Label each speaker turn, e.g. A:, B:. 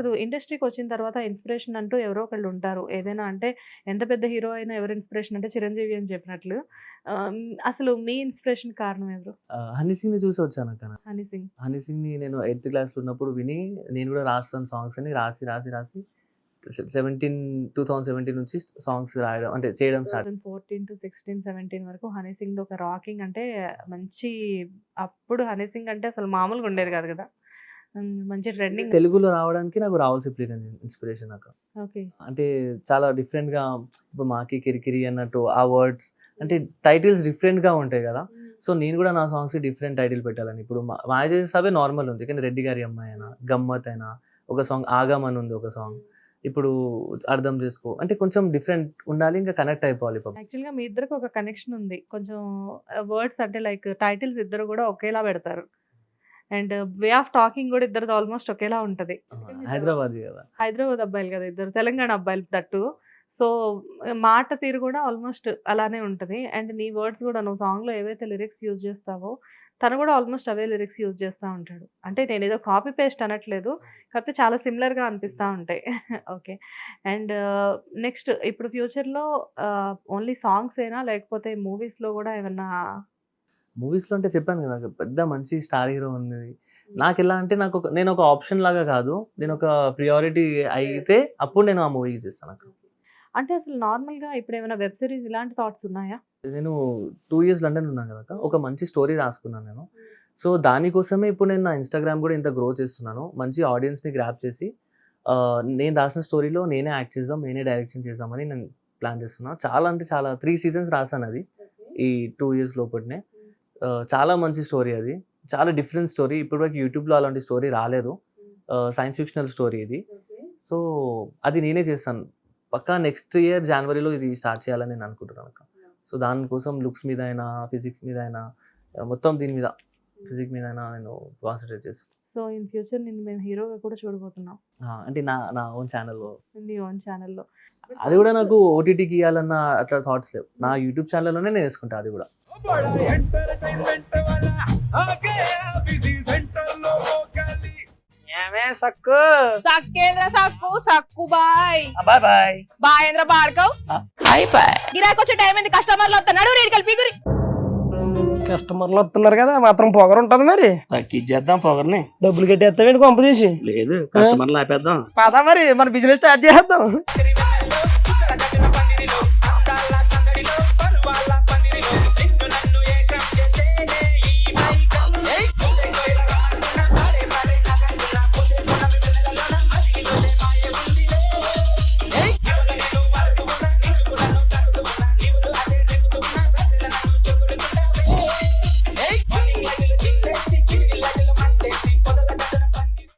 A: అసలు ఇండస్ట్రీకి వచ్చిన తర్వాత ఇన్స్పిరేషన్ అంటూ ఎవరో ఒకళ్ళు ఉంటారు. ఏదైనా అంటే ఎంత పెద్ద హీరో అయినా ఎవరు ఇన్స్పిరేషన్ అంటే చిరంజీవి అని చెప్పినట్లు. అసలు మీ ఇన్స్పిరేషన్ కారణం ఎవరు?
B: హనీ సింగ్‌ని చూసి వచ్చానక్క నేను.
A: హనీ సింగ్.
B: హనీ సింగ్‌ని నేను 8థ్ క్లాస్‌లో ఉన్నప్పుడు విని నేను కూడా రాస్తాను సాంగ్స్ అని రాసి 2017 నుంచి సాంగ్స్ రాయడం అంటే చేయడం స్టార్ట్.
A: 2014-16, 17 వరకు హనీ సింగ్‌ది ఒక రాకింగ్ అంటే మంచి అప్పుడు హనీ సింగ్ అంటే అసలు మామూలుగా ఉండేది కాదు కదా! మంచి ట్రెండింగ్.
B: తెలుగులో రావడానికి నాకు రాహుల్ సిప్లిగంజ్ ఇన్స్పిరేషన్ అక్క.
A: ఓకే.
B: అంటే చాలా డిఫరెంట్‌గా ఇప్పుడు 'మాకి కిరికిరి' అన్నట్టు ఆ వర్డ్స్ అంటే టైటిల్స్ డిఫరెంట్‌గా ఉంటాయి కదా! సో నేను కూడా నా సాంగ్స్‌కి డిఫరెంట్ టైటిల్ పెట్టాలని. ఇప్పుడు 'మాయ చేసేసావే' నార్మల్ ఉంది. కానీ 'రెడ్డి గారి అమ్మాయి' అయినా, 'గమ్మత్' అయినా, ఒక సాంగ్ 'ఆగం' అని ఉంది ఒక సాంగ్. ఇప్పుడు 'అర్థం చేసుకో' అంటే కొంచెం డిఫరెంట్ ఉండాలి. ఇంకా కనెక్ట్ అయిపోవాలి పాపం.
A: యాక్చువల్‌గా మీ ఇద్దరికి ఒక కనెక్షన్ ఉంది. కొంచెం వర్డ్స్ అంటే లైక్ టైటిల్స్ ఇద్దరు కూడా ఒకేలా పెడతారు. అండ్ వే ఆఫ్ టాకింగ్ కూడా ఇద్దరిది ఆల్మోస్ట్ ఒకేలా ఉంటది.
B: హైదరాబాదీ కదా!
A: హైదరాబాద్ అబ్బాయిలు కదా ఇద్దరు. తెలంగాణ అబ్బాయిలు దట్టు. సో మాట తీరు కూడా ఆల్మోస్ట్ అలానే ఉంటది. అండ్ నీ వర్డ్స్ కూడా నువ్వు సాంగ్‌లో ఏవైతే లిరిక్స్ యూజ్ చేస్తావో తను కూడా ఆల్మోస్ట్ అవే లిరిక్స్ యూజ్ చేస్తా ఉంటాడు. అంటే నేనేదో కాపీ పేస్ట్ అనట్లేదు. కాకపోతే చాలా సిమిలర్‌గా అనిపిస్తా ఉంటాయి. ఓకే. అండ్ నెక్స్ట్ ఇప్పుడు ఫ్యూచర్‌లో ఓన్లీ సాంగ్సేనా లేకపోతే మూవీస్‌లో కూడా ఏమన్నా?
B: మూవీస్‌లో అంటే చెప్పాను కదా! పెద్ద మంచి స్టార్ హీరో ఉంది. నాకెలా అంటే నేను ఒక ఆప్షన్ లాగా కాదు. నేను ఒక ప్రియారిటీ అయితే అప్పుడు నేను ఆ మూవీకి చేస్తానక్క.
A: అంటే అసలు నార్మల్‌గా ఇప్పుడేమైనా వెబ్ సీరీస్ ఇలాంటి థాట్స్ ఉన్నాయా?
B: నేను 2 ఇయర్స్ లండన్ ఉన్నాను కదక్క. ఒక మంచి స్టోరీ రాసుకున్నాను నేను. సో దానికోసమే ఇప్పుడు నేను నా ఇన్‌స్టాగ్రామ్ కూడా ఇంత గ్రో చేస్తున్నాను. మంచి ఆడియన్స్‌ని గ్రాబ్ చేసి నేను రాసిన స్టోరీలో నేనే యాక్ట్ చేద్దాం, నేనే డైరెక్షన్ చేద్దామని నేను ప్లాన్ చేస్తున్నా. చాలా అంటే చాలా 3 సీజన్స్ రాసాను అది. ఈ 2 ఇయర్స్ లోపలనే. చాలా మంచి స్టోరీ అది. చాలా డిఫరెంట్ స్టోరీ. ఇప్పటివరకు యూట్యూబ్‌లో అలాంటి స్టోరీ రాలేదు. సైన్స్ ఫిక్షనల్ స్టోరీ ఇది. సో అది నేనే చేస్తాను. పక్కా నెక్స్ట్ ఇయర్ జనవరిలో ఇది స్టార్ట్ చేయాలని నేను అనుకుంటున్నాను అక్క. సో దానికోసం లుక్స్ మీద అయినా, ఫిజిక్స్ మీద అయినా, మొత్తం దీని మీద ఫిజిక్స్ మీద అయినా నేను కాన్సంట్రేట్ చేస్తాను.
A: సో ఇన్ ఫ్యూచర్ నిన్ను మేము హీరోగా కూడా చూడబోతున్నాం.
B: అంటే నా ఓన్ ఛానల్‌లో.
A: నీ ఓన్ ఛానెల్‌లో.
B: అది కూడా నాకు ఓటీటీకి ఇవ్వాలన్న అట్లా థాట్స్ లేవు. నా యూట్యూబ్ ఛానల్‌లోనే నేను వేసుకుంటా అది కూడా.
C: సక్కు
D: సక్కేంద్ర సక్కు సక్కు బాయ్
C: బాయ్ బాయ్
D: బాయేంద్ర బార్కవ్
C: బాయ్ బాయ్.
D: గిరాకి వచ్చే టైం ఏంది? కస్టమర్లు వస్తున్నాడు రేటు కలిపి గురి
C: కస్టమర్లు వస్తున్నారు కదా, మాత్రం పొగరు ఉంటది మరి.
E: తగ్గించేద్దాం పొగర్ని.
C: డబ్బులు కట్టేస్తావేంటి కొంప తీసి?
E: లేదు, కస్టమర్లు ఆపేద్దాం.
C: పదా మరి మన బిజినెస్ స్టార్ట్ చేద్దాం.